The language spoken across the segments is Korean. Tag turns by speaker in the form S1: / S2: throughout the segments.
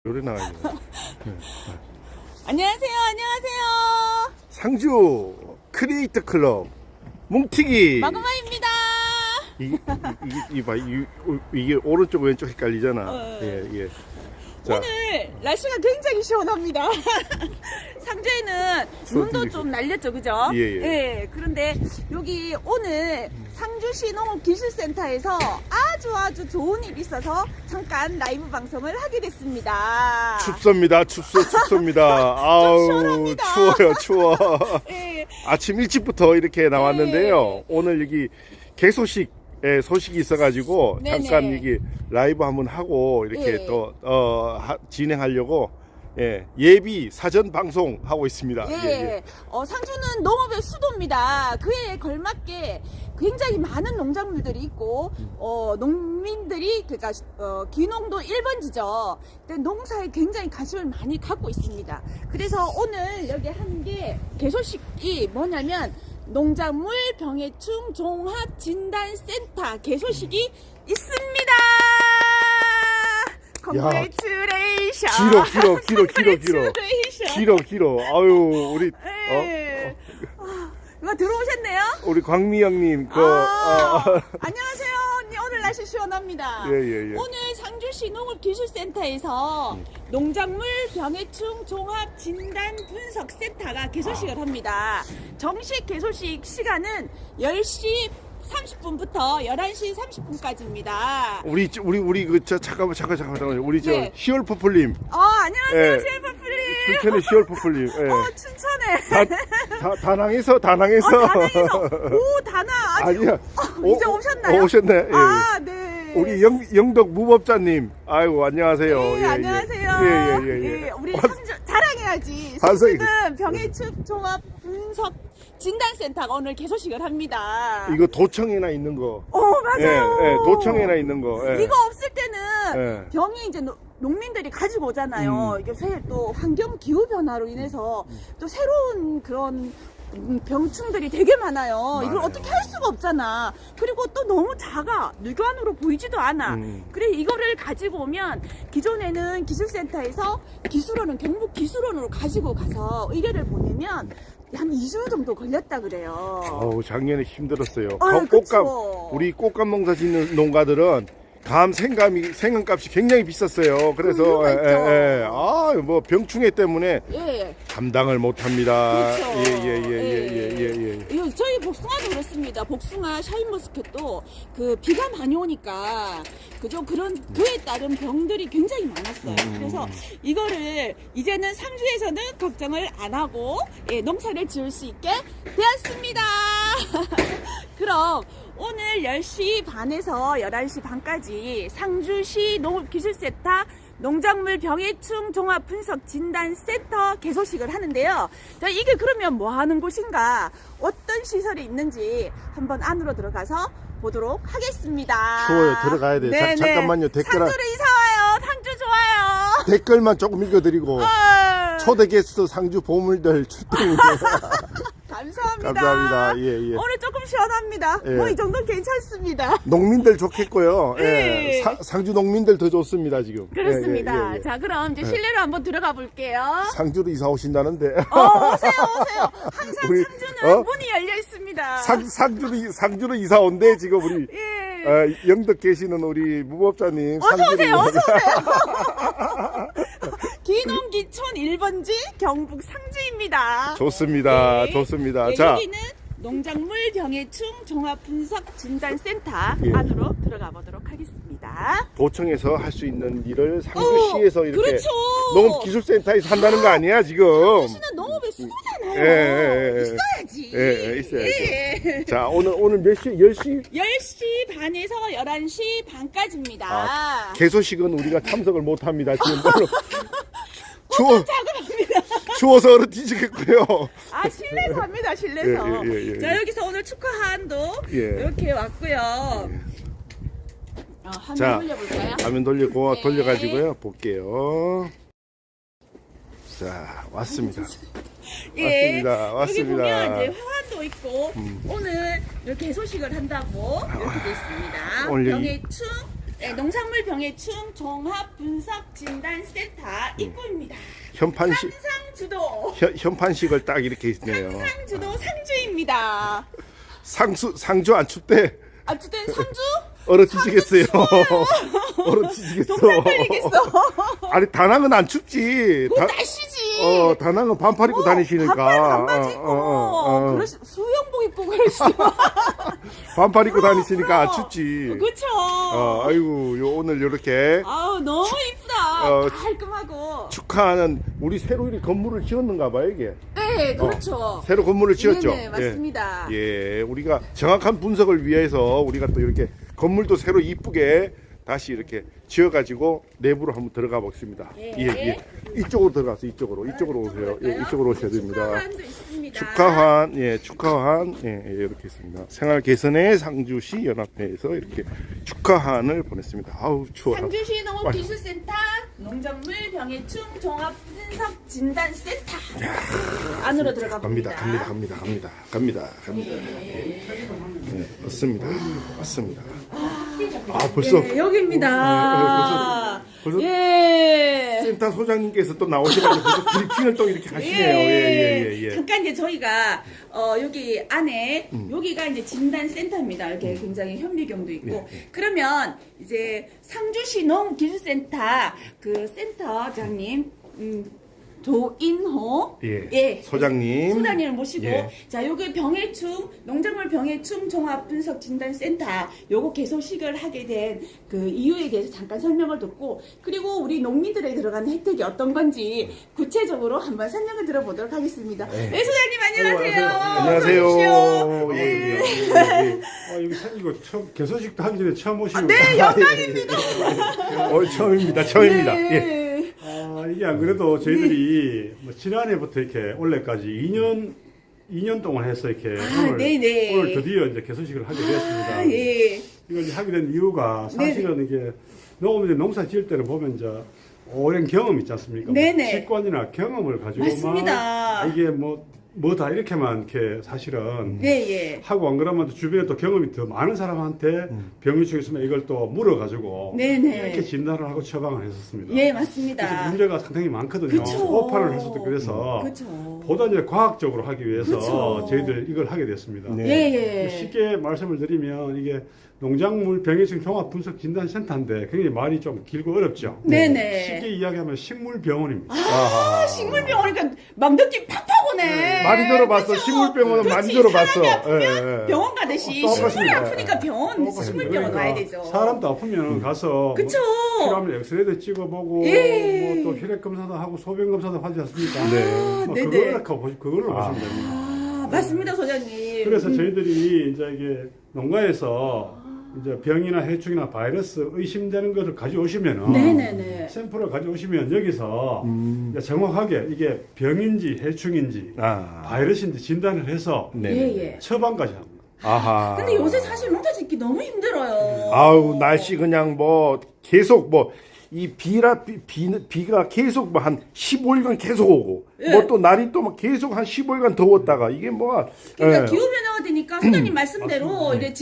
S1: 노래 나가요.
S2: 안녕하세요. 안녕하세요.
S1: 상주 크리에이터 클럽 뭉티기.
S2: 마그마입니다.
S1: 이게 오른쪽 왼쪽 헷갈리잖아. 예. 자,
S2: 오늘 날씨가 굉장히 시원합니다. 상주에는 눈도 좀 날렸죠, 그죠?
S1: 예.
S2: 그런데 여기 오늘 상주시 농업기술센터에서 아주 좋은 일이 있어서 잠깐 라이브 방송을 하게 됐습니다.
S1: 춥습니다. 아우,
S2: 시원합니다.
S1: 추워.
S2: 예.
S1: 아침 일찍부터 이렇게 나왔는데요.
S2: 예.
S1: 오늘 여기 개소식 소식이 있어가지고
S2: 네네.
S1: 잠깐 여기 라이브 한번 하고 이렇게
S2: 예.
S1: 또 진행하려고 예비 사전 방송 하고 있습니다. 예.
S2: 상주는 농업의 수도입니다. 그에 걸맞게 굉장히 많은 농작물들이 있고, 농민들이, 그러니까, 귀농도 1번지죠. 근데 농사에 굉장히 관심을 많이 갖고 있습니다. 그래서 오늘 여기 한 게 개소식이 뭐냐면, 농작물 병해충 종합진단센터 개소식이 있습니다. Congratulations.
S1: 길어. 아유, 우리
S2: 이거 들어오셨네요?
S1: 우리 광미 형님
S2: 안녕하세요. 언니, 오늘 날씨 시원합니다.
S1: 예.
S2: 오늘 상주시 농업기술센터에서 농작물 병해충 종합진단분석센터가 개소식을 합니다. 정식 개소식 시간은 10시 30분부터 11시 30분까지입니다.
S1: 우리 잠깐만 우리
S2: 네.
S1: 시얼퍼플님.
S2: 안녕하세요.
S1: 예.
S2: 셰프플리.
S1: 춘천의 시얼퍼플님.
S2: 춘천에.
S1: 다낭에서.
S2: 오, 다나.
S1: 아니야.
S2: 이제 오셨나요?
S1: 오셨네. 예.
S2: 네.
S1: 우리 영덕 무법자님. 아이고, 안녕하세요.
S2: 네,
S1: 예.
S2: 안녕하세요.
S1: 예.
S2: 우리 상주 자랑해야지.
S1: 반성이.
S2: 상주는 병해충 종합 분석 진단센터가 오늘 개소식을 합니다.
S1: 이거 도청에나 있는 거.
S2: 맞아요.
S1: 예, 도청에나 있는 거. 예.
S2: 이거 없을 때는 병이 이제 농민들이 가지고 오잖아요. 이게 또 환경 기후 변화로 인해서 또 새로운 그런 병충들이 되게 많아요. 이걸 어떻게 할 수가 없잖아. 그리고 또 너무 작아. 육안으로 보이지도 않아. 그래 이거를 가지고 오면 기존에는 기술센터에서 기술원은 경북 기술원으로 가지고 가서 의뢰를 보내면 한 2주 정도 걸렸다 그래요.
S1: 작년에 힘들었어요.
S2: 그쵸.
S1: 우리 꽃감 농사 짓는 농가들은 생감값이 굉장히 비쌌어요. 그래서 뭐 병충해 때문에 감당을 못 합니다.
S2: 그렇죠.
S1: 예.
S2: 저희 복숭아도 그렇습니다. 복숭아, 샤인머스켓도 그 비가 많이 오니까 그에 따른 병들이 굉장히 많았어요. 그래서 이거를 이제는 상주에서는 걱정을 안 하고 농사를 지을 수 있게 되었습니다. 그럼 오늘 10시 반에서 11시 반까지 상주시 농업기술센터 농작물 병해충 종합분석진단센터 개소식을 하는데요. 자, 이게 그러면 뭐 하는 곳인가, 어떤 시설이 있는지 한번 안으로 들어가서 보도록 하겠습니다.
S1: 추워요. 들어가야 돼요.
S2: 네네.
S1: 잠깐만요.
S2: 상주로 이사와요. 상주 좋아요.
S1: 댓글만 조금 읽어드리고 초대 게스트 상주 보물들 출동. 감사합니다. 예.
S2: 오늘 조금 시원합니다.
S1: 예.
S2: 뭐 이 정도는 괜찮습니다.
S1: 농민들 좋겠고요.
S2: 네.
S1: 상주 농민들 더 좋습니다 지금.
S2: 그렇습니다.
S1: 예.
S2: 자, 그럼 이제 실내로 한번 들어가 볼게요.
S1: 상주로 이사 오신다는데.
S2: 오세요. 항상
S1: 우리,
S2: 상주는 문이 열려 있습니다.
S1: 상주로 이사 온대 지금 우리. 영덕 계시는 우리 무법자님.
S2: 어서오세요. 기농기촌 1번지 경북 상주입니다.
S1: 좋습니다. 자,
S2: 여기는 농작물 병해충 종합분석진단센터 안으로 들어가 보도록 하겠습니다.
S1: 도청에서 할 수 있는 일을 상주시에서 이렇게
S2: 그렇죠.
S1: 농업기술센터에서 한다는 거 아니야 지금?
S2: 상주시는 농업의 수도잖아요. 있어야지.
S1: 있어야지. 자, 오늘 몇 시? 10시?
S2: 10시 반에서 11시 반까지입니다.
S1: 개소식은 우리가 참석을 못 합니다. 지금
S2: 자그럽니다.
S1: 추워서 얼어 뒤지겠고요.
S2: 실내에서 합니다. 실내에서.
S1: 예.
S2: 자, 여기서 오늘 축하한도 이렇게 왔고요. 화면 돌려볼까요?
S1: 화면 돌려가지고요. 볼게요. 자, 왔습니다. 왔습니다.
S2: 여기 보면 이제 화환도 있고 오늘 이렇게 개소식을 한다고 이렇게 돼 있습니다.
S1: 오늘
S2: 병해충 네, 농산물 병해충 종합 분석 진단 센터 입구입니다.
S1: 현판식
S2: 상주도
S1: 현판식을 딱 이렇게 있네요.
S2: 상주도 상주입니다.
S1: 상주 안 춥대.
S2: 아, 주된 상주?
S1: 얼어 뒤지겠어요. 얼어 뒤지겠어.
S2: 동상 걸리겠어.
S1: 아니 다낭은 안 춥지.
S2: 그건 날씨지.
S1: 다낭은 반팔 입고 다니시니까.
S2: 반바지 입고 수영복 입고 그러시죠.
S1: 반팔 입고 다니시니까 안 춥지.
S2: 그쵸.
S1: 아이고 오늘 이렇게
S2: 아우 너무 이쁘다. 깔끔하고.
S1: 축하하는 우리 새로 이 건물을 지었는가 봐요 이게.
S2: 네, 그렇죠.
S1: 새로 건물을 지었죠.
S2: 네, 맞습니다.
S1: 예, 우리가 정확한 분석을 위해서 우리가 또 이렇게 건물도 새로 이쁘게 다시 이렇게 지어가지고 내부로 한번 들어가 보겠습니다. 예. 이쪽으로 들어가서 이쪽으로 오세요. 예, 이쪽으로 오셔야 됩니다.
S2: 축하환도 있습니다.
S1: 축하환, 이렇게 있습니다. 생활 개선의 상주시 연합회에서 이렇게 축하환을 보냈습니다. 아우 추워.
S2: 상주시 농업기술센터 농작물 병해충 종합 분석 진단 센터 안으로 들어가 봅니다.
S1: 갑니다. 네, 맞습니다. 벌써
S2: 네, 여기입니다.
S1: 벌써
S2: 예.
S1: 센터 소장님께서 또 나오셔가지고 벌써 브리핑을 또 이렇게 하시네요. 예.
S2: 잠깐 이제 저희가 여기 안에 여기가 이제 진단 센터입니다. 이렇게 굉장히 현미경도 있고. 그러면 이제 상주시 농기술센터 그 센터장님 조인호 소장님을 모시고 자 여기 병해충 농작물 병해충 종합 분석 진단 센터 요거 개소식을 하게 된 그 이유에 대해서 잠깐 설명을 듣고 그리고 우리 농민들에게 들어가는 혜택이 어떤 건지 구체적으로 한번 설명을 들어보도록 하겠습니다. 네, 소장님 안녕하세요.
S1: 안녕하세요.
S3: 이거 처음 개소식도 하기 전에 처음 오시는
S2: 네, 영광입니다.
S1: 처음입니다.
S2: 네.
S3: 이게 안 그래도 저희들이 뭐 지난해부터 이렇게 올해까지 2년 동안 해서 이렇게 오늘 드디어 이제 개소식을 하게 되었습니다. 이걸 이제 하게 된 이유가 사실은 이게 농사 지을 때는 보면 이제 오랜 경험 있지 않습니까? 직관이나 경험을 가지고만 이게 뭐다 이렇게만 이렇게 사실은 하고 안 그러면 또 주변에 또 경험이 더 많은 사람한테 병해충 있으면 이걸 또 물어가지고 이렇게 진단을 하고 처방을 했었습니다.
S2: 예, 맞습니다.
S3: 그래서 문제가 상당히 많거든요. 오판을 했었도 그래서 보다 이제 과학적으로 하기 위해서 저희들 이걸 하게 됐습니다. 쉽게 말씀을 드리면 이게 농작물 병해충 종합 분석 진단 센터인데 굉장히 말이 좀 길고 어렵죠. 쉽게 이야기하면 식물병원입니다.
S2: 식물병원이니까 막 느낌 팍팍 오네.
S1: 많이 들어봤어. 식물병원은 많이 들어봤어.
S2: 병원 가듯이 식물이 아프니까 식물병원 가야 되죠.
S3: 사람도 아프면 가서 필요하면 엑스레이도 찍어보고 또 혈액 검사도 하고 소변 검사도 하지 않습니까? 그걸로 보시면 됩니다.
S2: 맞습니다, 소장님.
S3: 그래서 저희들이 이제 이게 농가에서 이제 병이나 해충이나 바이러스 의심되는 것을 가져오시면은 샘플을 가져오시면 여기서 이제 정확하게 이게 병인지 해충인지 바이러스인지 진단을 해서 처방까지 합니다.
S2: 근데 요새 사실 농사 짓기 너무 힘들어요.
S1: 아우 날씨 그냥 계속 이 비가 계속 한 15일간 계속 오고 또 날이 또 계속 한 15일간 더웠다가 이게
S2: 그러니까 기후 변화가 되니까 소장님 말씀대로 이제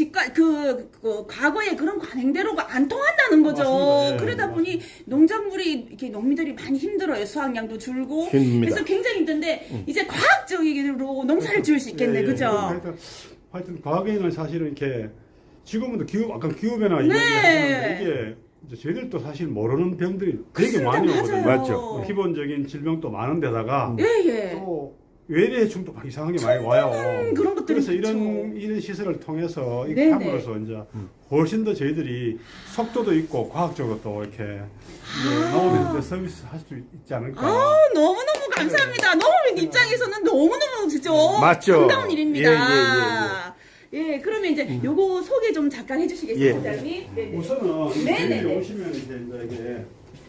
S2: 과거의 그런 관행대로가 안 통한다는 거죠.
S3: 맞습니다.
S2: 그러다 보니 농작물이 이렇게 농민들이 많이 힘들어요. 수확량도 줄고 그래서 굉장히 힘든데 이제 과학적으로 농사를 지을 수 있겠네, 그죠?
S3: 하여튼 과거에는 사실은 이렇게 지금은 아까 기후 변화 이야기하시는데 이게 저희들도 사실 모르는 병들이 되게 많이 오거든요.
S1: 맞죠.
S3: 기본적인 질병도 많은 데다가 또 외래해충도 막 이상하게 많이 와요.
S2: 그런 것들이
S3: 그래서 이런 시설을 통해서 이렇게 함으로써 이제 훨씬 더 저희들이 속도도 있고 과학적으로 또 이렇게 농업에 서비스 할 수 있지 않을까.
S2: 너무너무 감사합니다. 농업인 입장에서는 너무너무 진짜 반가운 일입니다. 그러면 이제 요거 소개 좀 잠깐 해주시겠어요, 소장님?
S3: 우선은 여기 오시면 이제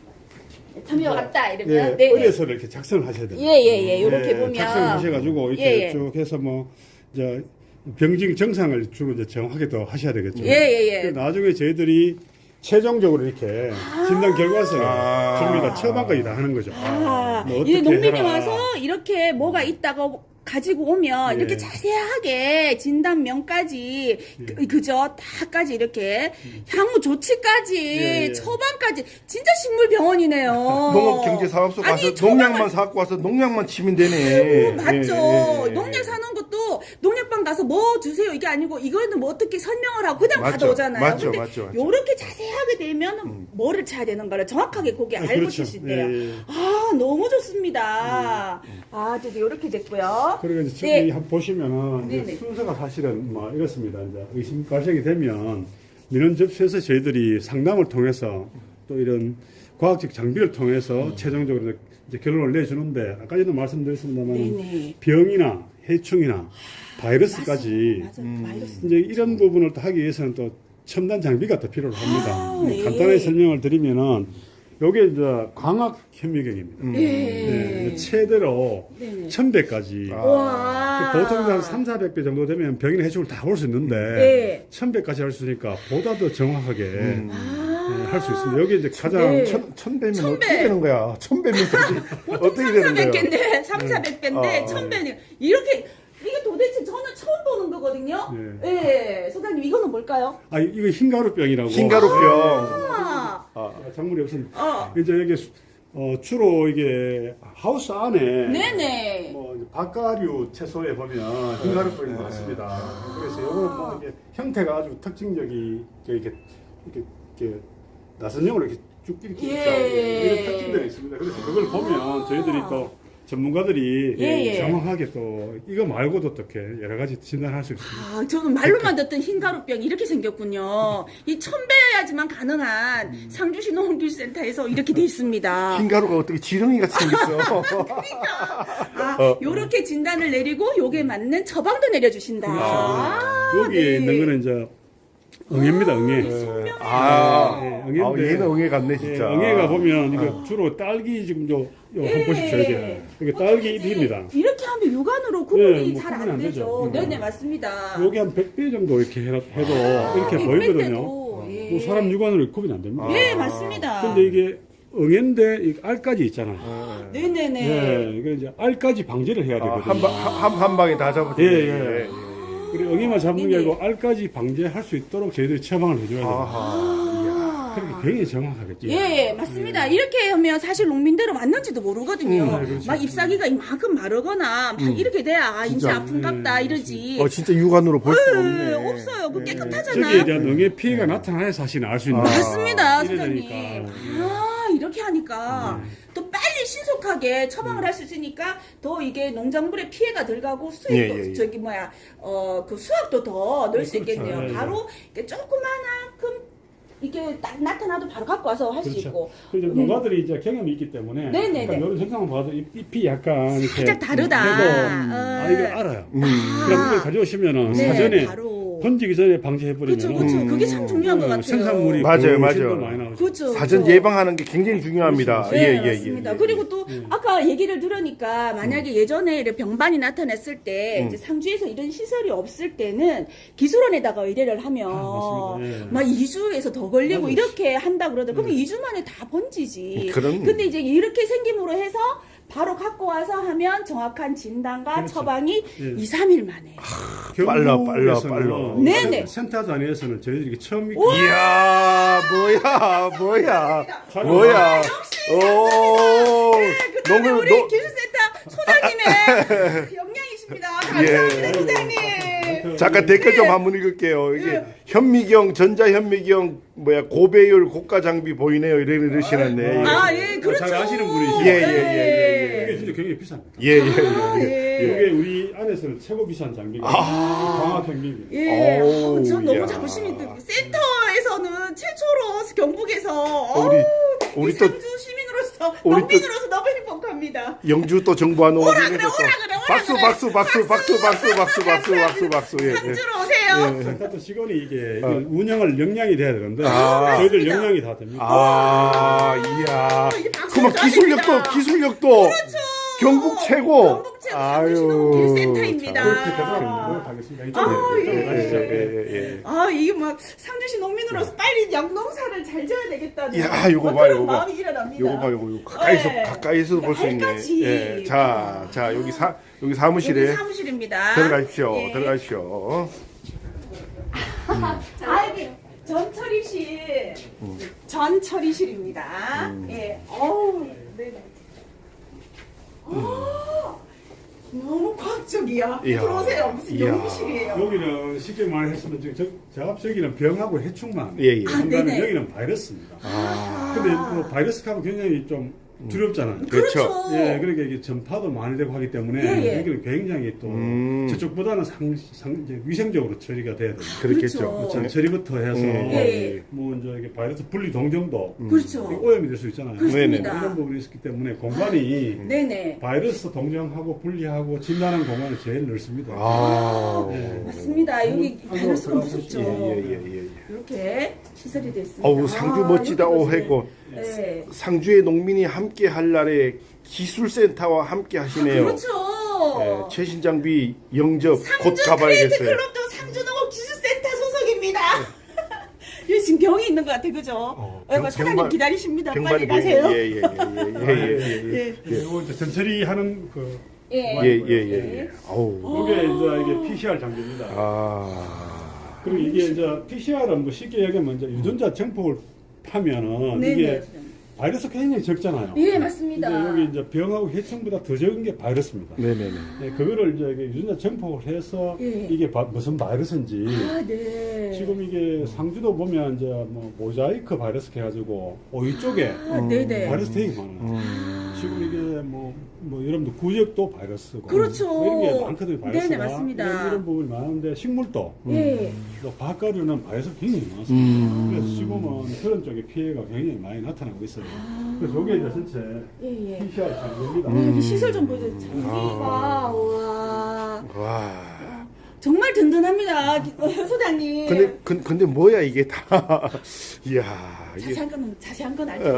S2: 참여 왔다 이러면
S3: 의뢰서 이렇게 작성을 하셔야 됩니다.
S2: 이렇게 보면
S3: 작성하셔가지고 이렇게 쭉 해서 이제 병증 정상을 주로 이제 정확하게 더 하셔야 되겠죠. 나중에 저희들이 최종적으로 이렇게 진단 결과서를 줍니다. 처방까지 다 하는 거죠.
S2: 이제 농민이 와서 이렇게 뭐가 있다고 가지고 오면
S3: 예.
S2: 이렇게 자세하게 진단명까지 그죠? 다까지 이렇게 향후 조치까지
S3: 예.
S2: 처방까지 진짜 식물병원이네요.
S1: 농업경제사업소 가서
S2: 아니,
S1: 농약만 사갖고 와서 농약만 치면 되네.
S2: 맞죠.
S1: 예.
S2: 농약 사는 것도 농약방 가서 뭐 주세요 이게 아니고 이거는 뭐 어떻게 설명을 하고 그냥
S1: 맞죠.
S2: 받아오잖아요.
S1: 맞죠.
S2: 근데
S1: 맞죠.
S2: 요렇게 자세하게 되면 뭐를 쳐야 되는 거를 정확하게 거기 알고
S3: 그렇죠.
S2: 치실 때요.
S3: 예.
S2: 아 너무 좋습니다. 아 이제 요렇게 됐고요.
S3: 그리고 이제
S2: 네.
S3: 저기 한번 보시면은 이제
S2: 네네.
S3: 순서가 사실은 뭐 이렇습니다. 이제 의심 발생이 되면 민원 접수해서 저희들이 상담을 통해서 또 이런 과학적 장비를 통해서 최종적으로 이제 결론을 내주는데 아까 전에도 말씀드렸습니다만
S2: 네네.
S3: 병이나 해충이나 바이러스까지
S2: 맞아요. 바이러스.
S3: 이제 이런 부분을 또 하기 위해서는 또 첨단 장비가 더 필요로 합니다.
S2: 아, 예.
S3: 간단하게 설명을 드리면은 요게 이제 광학 현미경입니다.
S2: 네.
S3: 이제 최대로
S2: 네네.
S3: 1000배까지.
S2: 와.
S3: 보통 한 3,400배 정도 되면 병이나 해충을 다 볼 수 있는데
S2: 네.
S3: 1000배까지 할 수 있으니까 보다 더 정확하게
S2: 아.
S3: 할 수 있습니다. 여기 이제 가장
S2: 네.
S1: 천 배면
S2: 천 배.
S1: 어떻게 되는 거야? 1000배면 어떻게 되는 거야?
S2: 3,400개인데 3,400개인데 1,000배는 이렇게 이게 도대체 저는 처음 보는 거거든요. 예. 소장님 이거는 뭘까요?
S3: 아 이거 흰가루병이라고.
S1: 흰가루병.
S2: 아.
S3: 작물이 없습니다.
S2: 어.
S3: 이제 여기 주로 이게 하우스 안에
S2: 네네.
S3: 뭐 이제 박가류 채소에 보면 흰가루병이 많습니다. 그래서 요거는 뭐 이게 형태가 아주 특징적이 이렇게 나선형으로 이렇게 쭉 이렇게
S2: 예.
S3: 이런 특징들이 있습니다. 그래서 그걸 보면 저희들이 또 전문가들이
S2: 예.
S3: 정확하게 또 이거 말고도 어떻게 여러 가지 진단할 수 있습니다.
S2: 아, 저는 말로만 듣던 흰가루병 이렇게 생겼군요. 이 1,000배여야지만 가능한 상주시 농업기술센터에서 이렇게 돼 있습니다.
S1: 흰가루가 어떻게 지렁이 같이 생겼어?
S2: 아, 요렇게 진단을 내리고 요게 맞는 처방도 내려주신다. 아,
S3: 여기에
S2: 네.
S3: 있는 거는 이제 응애입니다. 응애.
S1: 얘는 응애 같네 진짜.
S3: 응애가 보면 이거 주로 딸기 지금 요 한번 보십시오. 이게 딸기 잎입니다.
S2: 이렇게 하면 육안으로 구분이
S3: 뭐
S2: 잘
S3: 구분이
S2: 안
S3: 안
S2: 되죠.
S3: 되죠.
S2: 네네, 맞습니다.
S3: 여기 한 100배 정도 이렇게 해도 이렇게
S2: 100배
S3: 보이거든요.
S2: 때도, 예.
S3: 뭐 사람 육안으로 구분이 안 됩니다.
S2: 예, 맞습니다.
S3: 근데 이게 응애인데 이 알까지 있잖아요.
S2: 네네네.
S3: 예, 이거 이제 알까지 방지를 해야 되거든요.
S1: 한 방에 다 잡아주네.
S3: 예. 그리고 응애만 잡는 게 아니고 알까지 방지할 수 있도록 저희들이 처방을 해줘야 돼요. 그렇게 굉장히 정확하겠죠.
S2: 예, 맞습니다. 이렇게 하면 사실 농민들은 왔는지도 모르거든요.
S3: 그렇죠.
S2: 막 잎사귀가 이만큼 마르거나 막 이렇게 돼야 인제 아픈갑다 이러지.
S1: 진짜 육안으로 볼 수가 없네.
S2: 없어요. 그
S3: 저기에
S2: 깨끗하잖아요.
S3: 대한 응애 피해가 나타나야 사실은 알 수 있는 거예요.
S2: 맞습니다,
S3: 이래
S2: 소장님.
S3: 되니까.
S2: 아, 이렇게 하니까 또 빨리 신속하게 처방을 할 수 있으니까 더 이게 농작물에 피해가 덜 가고 수익도
S1: 예.
S2: 저기 그 수확도 더 넣을 수
S3: 그렇죠.
S2: 있겠네요.
S3: 예.
S2: 바로 이렇게 조그만큼 이게 딱 나타나도 바로 갖고 와서 할 수
S3: 그렇죠.
S2: 있고.
S3: 그리고 이제 농가들이 이제 경험이 있기 때문에
S2: 네네네.
S3: 그러니까 이런 현상을 봐도 잎이 약간 이렇게
S2: 살짝 다르다.
S3: 해도 이걸 알아요. 그럼 이걸 가져오시면은
S2: 네,
S3: 사전에
S2: 바로.
S3: 번지기 전에 방지해버리면
S2: 그렇죠. 그게 참 중요한 것 같아요.
S3: 생산물이
S1: 맞아요.
S3: 훨씬 더 많이 나오죠.
S2: 그렇죠.
S1: 사전
S2: 그렇죠.
S1: 예방하는 게 굉장히 중요합니다.
S2: 네, 맞습니다. 그리고 또
S3: 예.
S2: 아까 얘기를 들으니까 만약에 예전에 이렇게 병반이 나타났을 때 이제 상주에서 이런 시설이 없을 때는 기술원에다가 의뢰를 하면
S3: 맞습니다. 예.
S2: 막 2주에서 더 걸리고
S3: 맞아요.
S2: 이렇게 한다 그러더라고요. 그러면 2주 만에 다 번지지.
S1: 그럼.
S2: 근데 이제 이렇게 생김으로 해서 바로 갖고 와서 하면 정확한 진단과
S3: 그렇죠.
S2: 처방이
S3: 예.
S2: 2, 3일 만에.
S1: 빨라.
S3: 경북에서는
S2: 네네.
S3: 센터 단위에서는 저희들이 처음
S1: 이야, 뭐야.
S2: 그 다음에 우리 기술센터 소장님의 역량이십니다. 감사합니다, 소장님.
S1: 잠깐 댓글 좀 한번 읽을게요. 이게 현미경, 전자현미경 고배율 고가 장비 보이네요. 이러시는데.
S2: 아, 예, 그렇죠.
S3: 잘 아시는 분이시죠.
S1: 예.
S3: 이게 진짜 굉장히 비쌉니다.
S1: 예.
S3: 이게 우리 안에서는 최고 비싼 장비가 광학 현미경.
S2: 예.
S1: 오,
S2: 전 너무
S1: 이야.
S2: 자부심이 들 센터에서는 최초로 경북에서
S1: 우리 또
S2: 상주 시민으로서
S1: 우리 또-
S2: 농민으로서 너무 행복합니다.
S1: 영주 또 정부와 농업을
S2: 오라 그래.
S1: 박수. 예.
S2: 상주로 오세요.
S3: 센터 직원이 이게 운영을 역량이 돼야 되는데
S1: 아.
S3: 저희들
S2: 맞습니다.
S3: 역량이 다 됩니다.
S1: 이야.
S2: 이게 박수
S1: 그러면
S2: 쳐야 됩니다.
S1: 기술력도 경북 최고.
S2: 경북 최고. 안녕하세요.
S1: 아유,
S2: 상주시농 길센터입니다.
S3: 그렇게 되도록 하겠습니다.
S2: 예.
S3: 가시죠.
S1: 예.
S2: 아, 이게 막 상주시 농민으로서 빨리 양농사를 잘 지어야 되겠다는
S1: 야, 요거
S2: 뭐
S1: 봐,
S2: 그런
S1: 요거 봐.
S2: 마음이 일어납니다.
S1: 요거 봐, 요거 가까이서
S2: 네.
S1: 가까이서 볼 수 있네.
S2: 발까지.
S1: 예. 자, 여기 사무실에
S2: 여기 사무실입니다.
S1: 들어가십시오.
S2: 예.
S1: 들어가십시오.
S2: 아, 이게 전처리실. 전처리실입니다. 예. 어우, 네네. 너무 과학적이야.
S1: 이야.
S2: 들어오세요. 무슨
S1: 이야.
S2: 연구실이에요.
S3: 여기는 쉽게 말했으면 저기는 병하고 해충만.
S1: 예.
S2: 네네.
S3: 여기는 바이러스입니다.
S1: 아,
S3: 근데 뭐 바이러스하고 굉장히 좀 두렵잖아요.
S1: 그렇죠.
S3: 예, 그러니까 이게 전파도 많이 되고 하기 때문에
S2: 예.
S3: 여기는 굉장히 또 저쪽보다는 이제 위생적으로 처리가 돼야 됩니다.
S1: 그렇겠죠.
S2: 그렇죠.
S3: 처리부터 해서
S2: 예.
S3: 뭐 이제 이게 바이러스 분리 동정도
S2: 그렇죠.
S3: 오염이 될 수 있잖아요.
S2: 그렇습니다.
S3: 이런 부분이 있기 때문에 공간이
S2: 네네.
S3: 바이러스 동정하고 분리하고 진단하는 공간이 제일 넓습니다.
S1: 아,
S3: 예.
S2: 맞습니다. 여기 바이러스가
S3: 한번
S2: 무섭죠.
S1: 예.
S2: 이렇게 시설이 됐습니다.
S1: 어우, 상주 멋지다.
S2: 여기도
S1: 오, 했고.
S2: 네.
S1: 상주의 농민이 함께 할 날에 기술센터와 함께 하시네요.
S2: 그렇죠.
S1: 예, 최신 장비 영접 곧
S2: 상주 크리에이트
S1: 가봐야겠어요.
S2: 클럽도 상주농업 기술센터 소속입니다. 여기 지금 병이 있는 것 같아, 그죠? 사장님
S1: 병만-
S2: 기다리십니다. 빨리
S1: 병만이
S2: 가세요.
S1: 예.
S3: 그리고 이제 전처리 하는 그
S2: 예.
S1: 아우.
S3: 이게 이제 이게 PCR 장비입니다.
S1: 아.
S3: 그리고 이게 이제 PCR은 뭐 쉽게 얘기하면 이제 유전자 정폭을 파면은
S2: 네네.
S3: 이게 바이러스 굉장히 적잖아요.
S2: 예, 맞습니다.
S3: 근데 여기 이제 병하고 해충보다 더 적은 게 바이러스입니다.
S1: 네네네.
S3: 네, 그거를 이제 이게 유전자 정폭을 해서
S2: 예.
S3: 이게 무슨 바이러스인지
S2: 아, 네.
S3: 지금 이게 상주도 보면 이제 뭐 모자이크 바이러스 해가지고 오이 쪽에
S2: 아, 네네.
S3: 바이러스 되게 많아요. 지금 이게 뭐 여러분들 구역도 바이러스고
S2: 그렇죠.
S3: 뭐 이런 게 많거든요. 바이러스가
S2: 네네, 맞습니다.
S3: 이런 부분이 많은데 식물도
S2: 예.
S3: 또 밭가루는 바이러스 굉장히 많습니다. 그래서 지금은 그런 쪽에 피해가 굉장히 많이 나타나고 있어요. 그래서 이게 이제 전체
S2: 예.
S3: PCR 장비입니다.
S2: 여기 시설 좀 보여줘요. 장비가, 와.
S1: 와.
S2: 정말 든든합니다. 소장님.
S1: 근데 뭐야 이게 다. 이야. 이게
S2: 자세한 건 알죠.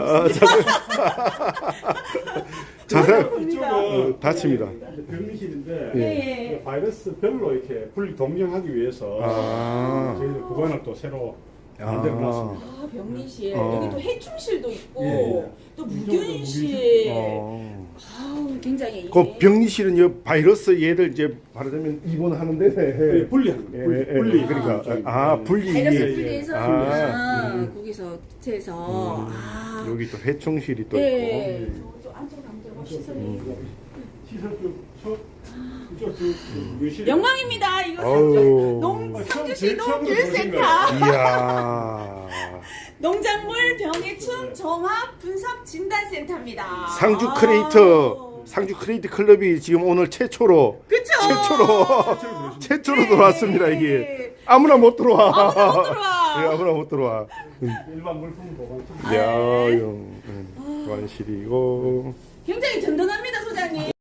S1: 자세한
S3: 이쪽은
S1: 닫힙니다.
S3: 병리실인데
S2: 예.
S3: 그 바이러스별로 이렇게 분리 동정하기 위해서
S1: 아.
S3: 저희들 구간을 또 새로 만들어 놨습니다.
S2: 아, 병리실.
S1: 어.
S2: 여기 또 해충실도 있고,
S3: 예.
S2: 또
S3: 이쪽도
S2: 무균실.
S1: 어.
S2: 아우, 굉장히.
S1: 그 병리실은 이 바이러스 얘들 이제 말하자면 입원하는 데네.
S3: 분리하는 거예요. 분리.
S1: 그러니까 분리.
S2: 바이러스
S1: 예.
S2: 분리해서 거기서 교체해서. 아.
S1: 여기 또 해충실이 또
S2: 예.
S1: 있고.
S2: 저 안쪽으로 가면 돼요. 시설이.
S3: 시설 이쪽 무균실.
S2: 영광입니다. 이거
S1: 아우.
S2: 상주시
S3: 처음
S2: 농길센터.
S1: 이야.
S2: 농작물 병해충 종합 분석 진단센터입니다.
S1: 상주
S2: 아우.
S1: 크리에이트 클럽이 지금 오늘 최초로
S2: 그쵸?
S1: 최초로 들어왔습니다. 이게 아무나 못 들어와.
S2: 아무나 못 들어와.
S1: 예, 아무나 못 들어와.
S3: 일반 물품 보관.
S1: 보관실이고.
S2: 굉장히 든든합니다, 소장님.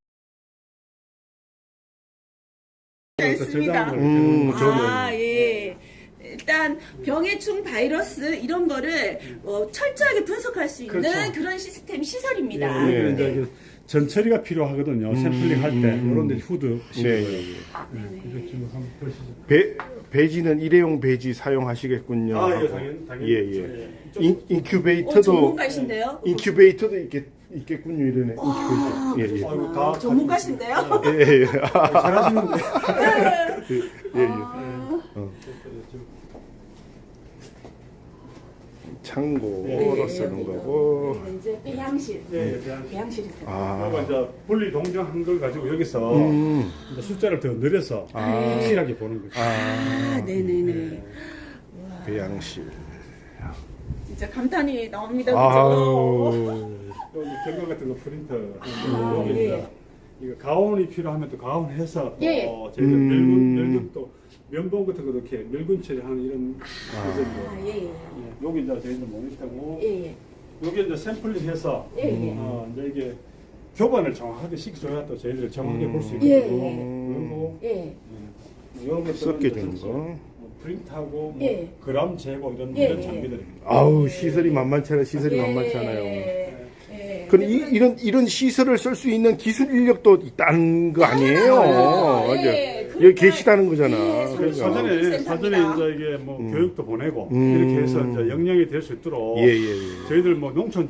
S2: 있습니다.
S1: 저는
S2: 예. 일단 병해충 바이러스 이런 거를 철저하게 분석할 수 있는
S3: 그렇죠.
S2: 그런 시스템 시설입니다.
S3: 예,
S1: 네.
S3: 이제 전처리가 필요하거든요. 샘플링 할 때 이런 데 후드
S1: 네.
S3: 이거 지금 한번 보시죠.
S1: 배지는 일회용 배지 사용하시겠군요.
S3: 아, 예, 당연히.
S1: 예.
S3: 이쪽-
S1: 인큐베이터도
S2: 전문가이신데요?
S1: 인큐베이터도 있겠군요. 이러네. 인큐베이터. 예.
S3: 아이고, 다
S2: 전문가신데요?
S1: 예.
S3: 잘하시는데.
S1: 창고로 쓰는 거고.
S2: 여기는 이제 배양실.
S3: 예,
S2: 배양실이 있어요.
S3: 그리고 이제 분리 동정한 걸 가지고 여기서 이제 숫자를 더 늘려서
S2: 네.
S3: 확실하게 보는 거죠.
S2: 네네네.
S1: 배양실.
S2: 진짜 감탄이 나옵니다. 그죠?
S1: 아우.
S3: 또 이제 경과 같은 거 프린터
S2: 아,
S3: 여기
S2: 예.
S3: 이제 이거 가온이 필요하면 또 가온 해서 또
S2: 예.
S3: 저희들 멸균 또 면봉 같은 것도 이렇게 멸균 처리하는 이런
S2: 아, 예.
S3: 여기 이제 저희들 모니터고
S2: 예.
S3: 여기 이제 샘플링해서
S2: 예.
S3: 이제 이게 교반을 정확하게 시켜줘야 또 저희들 정확하게 볼 수
S2: 예.
S3: 있거든요. 그리고
S2: 예.
S3: 이런 것들은
S1: 섞여
S3: 이제
S1: 주는
S3: 전체
S1: 거.
S3: 뭐 프린트하고 뭐
S2: 예.
S3: 그람 재고 이런
S2: 예.
S3: 이런 장비들입니다.
S1: 아우 시설이 만만치 않아요. 시설이 만만치 않아요.
S2: 예.
S1: 그럼 이런 시설을 쓸 수 있는 기술 인력도 있다는 거 아니에요?
S2: 예,
S1: 맞아. 여기 계시다는 거잖아.
S2: 예,
S1: 그러니까.
S3: 사전에 이제 이게 뭐 교육도 보내고 이렇게 해서 이제 역량이 될 수 있도록
S1: 예.
S3: 저희들 뭐 농촌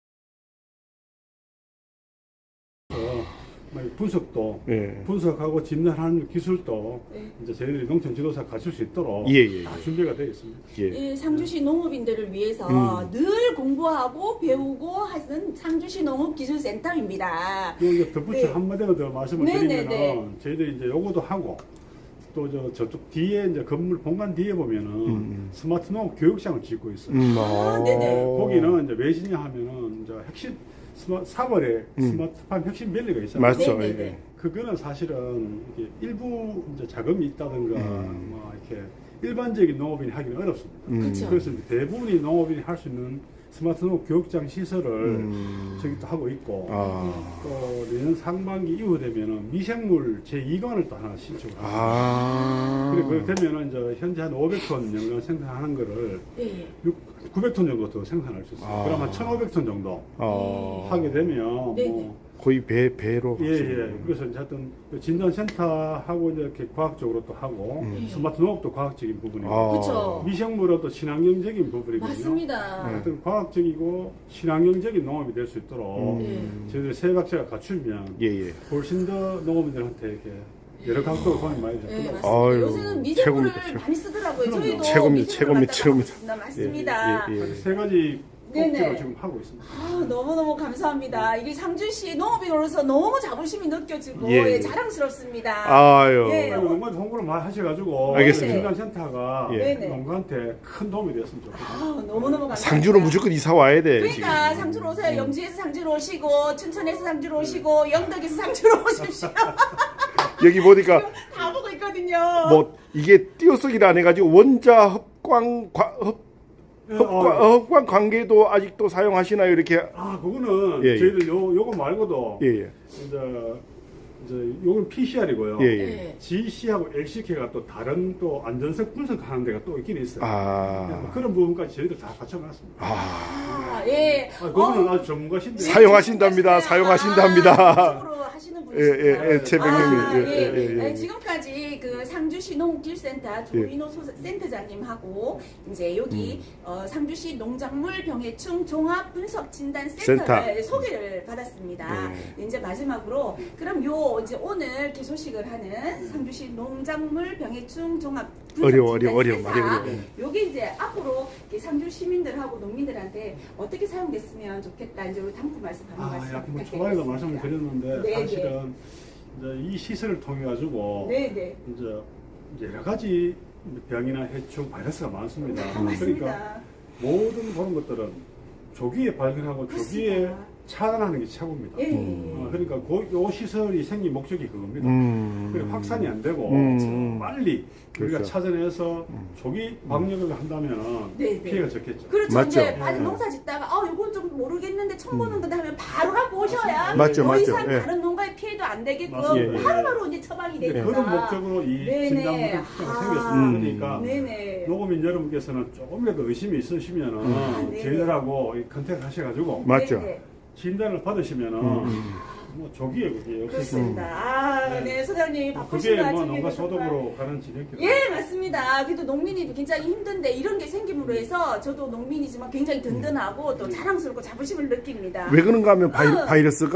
S3: 분석도
S1: 예.
S3: 분석하고 진단하는 기술도 이제 저희들이 농촌 지도사 갖출 수 있도록 다 준비가 되어 있습니다.
S2: 이 상주시 농업인들을 위해서 늘 공부하고 배우고 하는 상주시 농업기술센터입니다.
S3: 이제 덧붙여 한마디만 더 말씀을 드리면은
S2: 네.
S3: 저희들이 이제 요거도 하고 또 저쪽 뒤에 이제 건물 본관 뒤에 보면은 스마트 농업 교육장을 짓고 있어요.
S2: 네네.
S3: 거기는 이제 왜지냐 하면은 이제 핵심 3월에 스마트팜 혁신 밸리가 있잖아요.
S1: 맞죠.
S2: 네네네.
S1: 예.
S3: 그거는 사실은 이게 일부 이제 자금이 있다든가 뭐 이렇게 일반적인 농업인이 하기는 어렵습니다.
S2: 그렇죠.
S3: 그래서 이제 대부분이 농업인이 할 수 있는 스마트 농업 교육장 시설을 저기 또 하고 있고 또 내년 상반기 이후 되면은 미생물 제2관을 또 하나 신청을 합니다. 그리고 되면은 이제 현재 한 500톤 영양 생산하는 거를 900톤 정도 더 생산할 수 있어요. 그럼 한 1,500톤 정도 하게 되면 뭐
S1: 거의 배로.
S3: 예. 그래서 이제 하여튼 진단센터하고 이제 이렇게 과학적으로 또 하고 스마트 농업도 과학적인 부분이고
S2: 그렇죠.
S3: 미생물은 또 친환경적인 부분이거든요.
S2: 맞습니다.
S3: 하여튼 과학적이고 친환경적인 농업이 될 수 있도록 저희들 세 각자가 갖추면 훨씬 더 농업인들한테 이렇게 여러 각도로 도움이 많이 될
S2: 네,
S3: 겁니다.
S2: 맞습니다. 요새는 미생물을 많이 쓰더라고요. 저희도
S1: 최고입니다.
S2: 맞습니다.
S3: 세 가지
S2: 네네.
S3: 꼭지로 지금 하고 있습니다.
S2: 너무너무 감사합니다. 이게 상주시 농업인으로서 너무 자부심이 느껴지고 자랑스럽습니다.
S1: 아유.
S3: 농가한테 홍보를 많이 하셔가지고
S1: 알겠습니다.
S3: 진단센터가 농가한테 큰 도움이 됐으면 좋겠습니다.
S2: 너무너무 감사합니다.
S1: 상주로 무조건 이사 와야 돼.
S2: 그러니까 상주로 오세요. 영지에서 상주로 오시고 춘천에서 상주로 오시고 영덕에서 상주로 오십시오.
S1: 여기 보니까
S2: 다 보고 있거든요.
S1: 뭐 이게 띄어쓰기를 안 해가지고 원자 흡광 관계도 아직도 사용하시나요? 이렇게.
S3: 그거는 저희들 요거 말고도 이제 요건 PCR이고요. GC하고 LCK가 또 다른 또 안전성 분석하는 데가 또 있긴 있어요. 뭐 그런 부분까지 저희들 다 갖춰놨습니다. 그거는 아주 전문가신데
S1: 사용하신답니다.
S2: 적으로 하시는 분이시죠.
S1: 최백님이.
S2: 지금까지 그 상주시 농업기술센터 조인호 센터장님하고 이제 여기 상주시 농작물 병해충 종합 분석 진단 센터를 소개를 받았습니다. 이제 마지막으로 그럼 이제 오늘 개소식을 하는 상주시 농작물 병해충 종합 분석 진단 센터 요게 이제 앞으로 상주 시민들하고 농민들한테 어떻게 사용됐으면 좋겠다. 이제 우리 당부 말씀 한번
S3: 뭐 초반에도 말씀을 드렸는데 사실은 이제 이 시설을 통해 가지고 이제 여러 가지 병이나 해충 바이러스가 많습니다. 그러니까 모든 그런 것들은 조기에 발견하고 조기에 차단하는 게 최고입니다. 그러니까 요 시설이 생긴 목적이 그겁니다. 그리고 확산이 안 되고 빨리 우리가 찾아내서 조기 방역을 한다면 피해가 적겠죠.
S2: 그렇죠.
S3: 맞죠?
S2: 이제 농사 짓다가 이건 좀 모르겠는데 처음 보는 거다 하면 바로 갖고 오셔야
S1: 맞죠.
S2: 더 이상 다른 농가에 피해도 안 되게끔 바로바로 이제 처방이 되니까.
S3: 그런 목적으로 이 진단부가 생겼습니다. 그러니까 농업인 여러분께서는 조금이라도 의심이 있으시면은 저희들하고 컨택 하셔가지고
S1: 맞죠.
S3: 진단을 받으시면은 뭐 조기에 그게
S2: 그렇습니다. 소장님이 바쁘신
S3: 그게
S2: 와중에
S3: 뭐 농가 소득으로 가는 진행길.
S2: 맞습니다. 그래도 농민이 굉장히 힘든데 이런 게 생김으로 해서 저도 농민이지만 굉장히 든든하고 또 자랑스럽고 자부심을 느낍니다.
S1: 왜 그런가 하면 바이러스가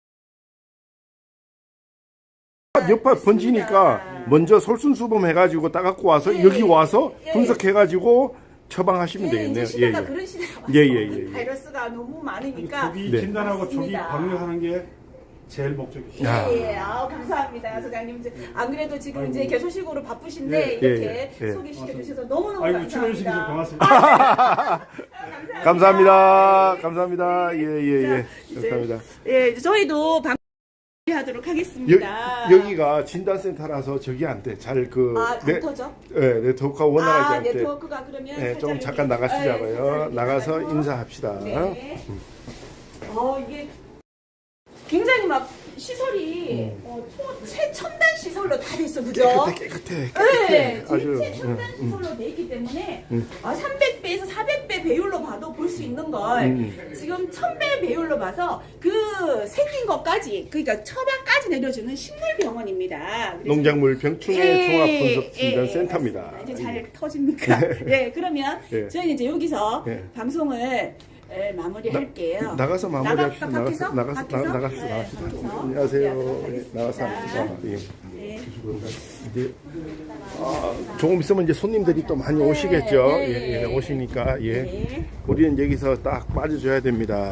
S1: 여파 번지니까 먼저 솔순수범 해가지고 따갖고 와서 여기 와서 분석해가지고 처방하시면 되겠네요.
S2: 이제 시대가 그런 시대가 왔어요. 바이러스가 너무 많으니까.
S3: 조기 진단하고 조기 방역하는 게 제일 목적이죠.
S2: 감사합니다, 소장님. 안 그래도 지금 이제 개소식으로 바쁘신데 이렇게 소개시켜 주셔서 너무너무 감사합니다.
S3: 출연해주셔서 고맙습니다.
S1: 감사합니다. 감사합니다. 감사합니다.
S2: 저희도 하도록 하겠습니다.
S1: 여기가 진단센터라서 저기 안 돼. 잘
S2: 네트워크죠?
S1: 네트워크가 원활하지 않대.
S2: 네트워크가 그러면
S1: 좀 잠깐 나가시자고요. 나가서 인사합시다.
S2: 이게 굉장히 막 시설이 최첨단 시설로 다 됐어, 그죠?
S1: 깨끗해.
S2: 네,
S1: 아주,
S2: 최첨단 시설로 돼 있기 때문에 300배에서 400배 배율로 봐도 볼 수 있는 걸 지금 1000배 배율로 봐서 그 생긴 것까지, 그러니까 처방까지 내려주는 식물병원입니다. 그래서
S1: 농작물 병충해 종합분석진단센터입니다.
S2: 맞습니다. 이제 잘 터집니까? 네, 그러면
S1: 예.
S2: 저희는 이제 여기서
S1: 예.
S2: 방송을 마무리할게요.
S1: 나가서 마무리합시다.
S2: 밖에서?
S1: 나갑시다.
S2: 네,
S1: 나갑시다.
S2: 밖에서.
S1: 안녕하세요.
S2: 네,
S1: 예, 나가서 합시다. 예.
S2: 네.
S1: 이제 조금 있으면 이제 손님들이 또 많이 오시겠죠.
S2: 네.
S1: 예, 예, 오시니까 예.
S2: 네.
S1: 우리는 여기서 딱 빠져줘야 됩니다.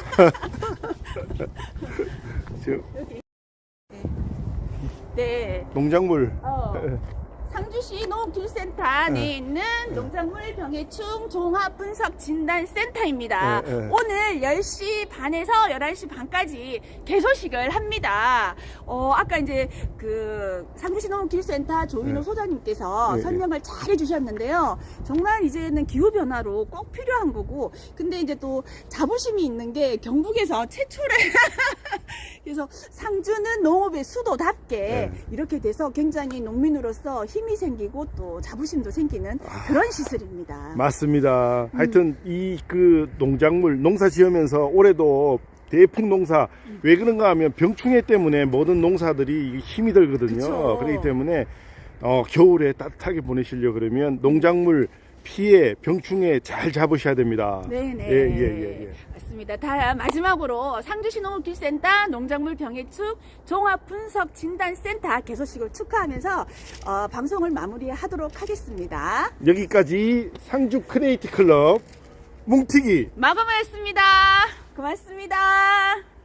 S1: 지금
S2: 네.
S1: 농작물
S2: 상주시 농업기술센터 안에 있는 농작물 병해충 종합분석진단센터입니다. 오늘 10시 반에서 11시 반까지 개소식을 합니다. 아까 이제 그 상주시 농업기술센터 조인호 소장님께서 설명을 잘 해주셨는데요. 정말 이제는 기후변화로 꼭 필요한 거고, 근데 이제 또 자부심이 있는 게 경북에서 최초래. 그래서 상주는 농업의 수도답게 이렇게 돼서 굉장히 농민으로서 힘이 생기고 또 자부심도 생기는 그런 시설입니다.
S1: 맞습니다. 하여튼 이 그 농작물 농사 지으면서 올해도 대풍 농사 왜 그런가 하면 병충해 때문에 모든 농사들이 힘이 들거든요.
S2: 그쵸.
S1: 그렇기 때문에 겨울에 따뜻하게 보내시려 그러면 농작물 피해 병충해 잘 잡으셔야 됩니다.
S2: 네네.
S1: 예.
S2: 맞습니다. 다 마지막으로 상주시 농업기술센터 농작물 병해충 종합분석진단센터 개소식을 축하하면서 방송을 마무리하도록 하겠습니다.
S1: 여기까지 상주 크리에이티 클럽 뭉티기
S2: 마감하였습니다. 고맙습니다.